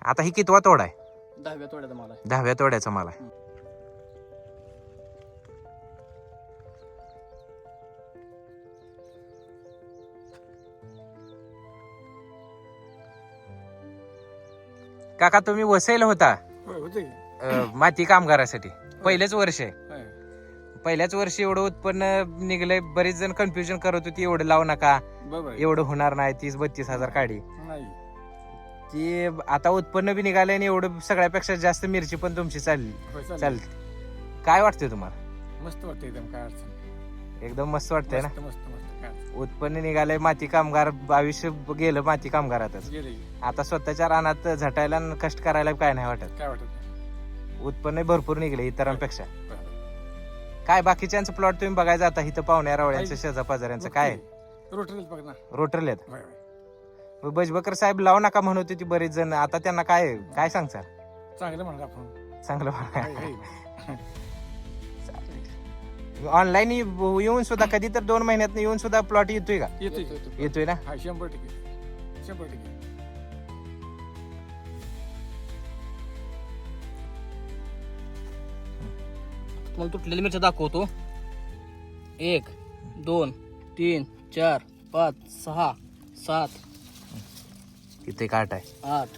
आता ही कितवा तोडा आहे? 10व्या तोड्याचा माल आहे. 10व्या तोड्याचा माल आहे. काका तुम्ही वसईला होता होते माती कामगारासाठी. पहिलेच वर्ष आहे. होय. पहिल्याच वर्षी एवढं उत्पन्न निघलंय. बरीच जण कन्फ्युजन करत होती एवढं लावू नका, बरोबर आहे. एवढं होणार नाही, 30-32 हजार काढी. नाही ती आता उत्पन्न बी निघालंय आणि एवढं सगळ्यापेक्षा जास्त मिरची पण तुमची चालली होय, चालेल. चालते. काय वाटतंय तुम्हाला? मस्त वाटतं एकदम, काय अडचण एकदम मस्त वाटतंय ना? मस्त मस्त मस्त काय अडचण. उत्पन्न निघालंय. माती कामगार आयुष्य गेलं माती कामगारातच. गेले आता स्वतःच्या रानात झटायला आणि कष्ट करायला काय नाही वाटत. काय वाटत नाही. उत्पन्न भरपूर निघले इतरांपेक्षा. बरं. काय बाकीच्यांचं प्लॉट तुम्ही बघायचं आता इथं पाहुण्या रावळ्यांचं शेजा पाजाऱ्यांचं काय रोटरीच बघ ना. रोटरलेत. होय, होय. बजबकर साहेब लावू नका म्हणत होती बरेच जण. आता त्यांना काय काय सांगता? चांगलं म्हणा आपण. चांगलं हाय, हाय. ऑनलाईन येऊन सुद्धा कधी तर 2 महिन्यात येऊन सुद्धा प्लॉट येतोय का? येतोय ना? हा 100%. 100%. तुम्हाला तुटलेली मिरच्या दाखवतो. 1 2 3 4 5 6 7 इथे काट आहे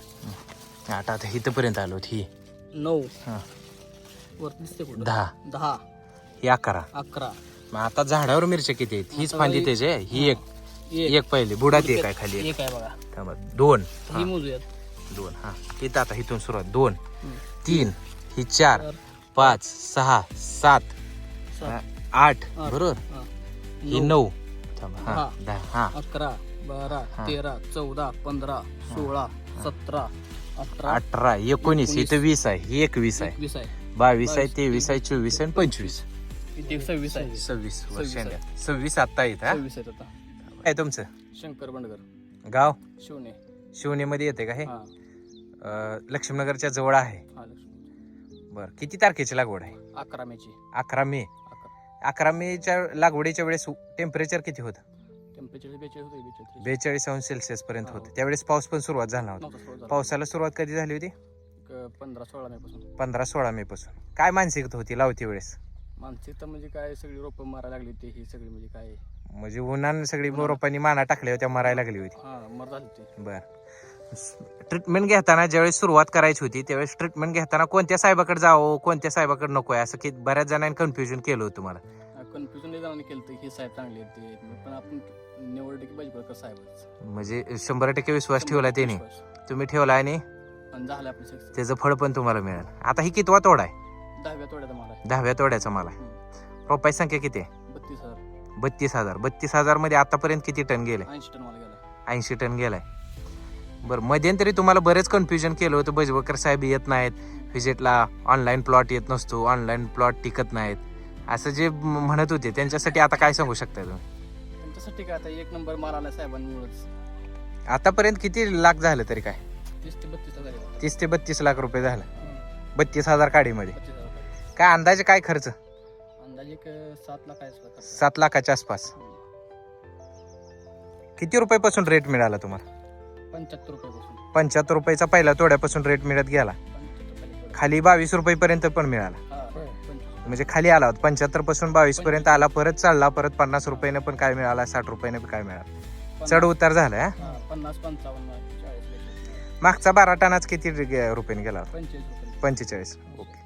8 आता इथपर्यंत आलो ही 9 हा. वर दिसते कुठं 10 10 ही 11. 11 मग आता झाडावर मिरच्या किती आहेत? हीच आता फांदी त्याची आहे. ही एक एक पहिली बुडात एक आहे खाली एक. एक आहे बघा. थांबा. 2 ही मोजूयात. 2 हा इथं आता इथून सुरुवात 2 3 ही 4 5 6 7 8 बरोबर. ही 9 थांबा हा 10 हा 11 12 13 14 15 16 17 18 18 19 इथं 20 आहे. ही 21 आहे. 21 आहे. 22 आहे 23 आहे 24 आहे 25 इथे 26 आहे. 26 वर्ष 26 26 आता येत हा 26 आहेत आता. काय तुमचं शंकर बंडगर गाव? शिवणे. शिवनेमध्ये येते का हे? हा लक्ष्मीनगरच्या जवळ आहे. हा. बर किती तारखेची लागवड आहे? 11 मेची. 11 मे. 11 11 मेच्या लागवडीच्या वेळेस टेम्परेचर किती होतं? टेम्परेचर 42 होते. 42 अंश सेल्सिअस पर्यंत होतं. त्यावेळेस पाऊस पण सुरुवात झाला होता. पावसाला सुरुवात कधी झाली होती? 15-16 मे पासून. 15-16 मे पासून. काय मानसिकता होती लावती वेळेस? मानसिकता म्हणजे काय, सगळी रोपं मारायला लागली होती. ही सगळी म्हणजे काय, म्हणजे उन्हानं सगळी रोपांनी माना टाकल्या होत्या, मरायला लागली होती. हा मर झाली होती. बर ट्रीटमेंट घेताना ज्यावेळेस सुरुवात करायची होती त्यावेळेस ट्रीटमेंट घेताना कोणत्या साहेबाकडे जावं, कोणत्या साहेबाकडे नको आहे, असं की बऱ्याच जणांनी कन्फ्युजन केलं होतं मला. कन्फ्युजन नाही जाऊन केलं की साहेब चांगले आहेत ते, पण आपण निवड की पाहिजे बरं साहेबच. म्हणजे 100% विश्वास ठेवला त्याने, तुम्ही ठेवला आणि आणि झालं आपलं सक्सेस. त्याचं फळ पण तुम्हाला मिळालं. आता ही कितवा तोडा आहे? 10व्या तोड्याचा माल आहे. 10व्या तोड्याचा मला. रोपाची संख्या किती आहे? 32,000. 32,000. 32,000 मध्ये आतापर्यंत किती टन गेले? 80 टन माल गेला. 80 टन गेलाय. बरं मध्यंतरी तुम्हाला बरेच कन्फ्युजन केलं होतं, बजबकर साहेब येत नाहीत व्हिजिटला, ऑनलाईन प्लॉट येत नसतो, ऑनलाईन प्लॉट टिकत नाहीत, असं जे म्हणत होते त्यांच्यासाठी आता काय सांगू शकता तुम्ही? त्यांच्यासाठी काय आता 1 नंबर माल आला साहेबांमुळेच. आतापर्यंत किती लाख झालं तरी काय? 30 ते 32,000 आहे. 30 ते 32 लाख रुपये झालं 32,000 काडीमध्ये. 32,000. काय अंदाजे काय खर्च? अंदाजे एक 7 लाख आहे. 7 लाखाच्या आसपास. किती रुपयापासून रेट मिळाला तुम्हाला? 75 रुपयापासून. 75 रुपयाचा पहिला तोड्यापासून रेट मिळत गेला, 75 रुपये. खाली 22 रुपयेपर्यंत पण मिळाला. हा 25. म्हणजे खाली आला होता 75 पासून 22 पर्यंत आला, परत चालला, परत 50 रुपयाने पण काय मिळाला, 60 रुपयाने पण काय मिळाला, चढ उतार झाला. 50 55 40. मागचा 12 टनाच किती रुपयाने गेला? 45 रुपये. 45. ओके.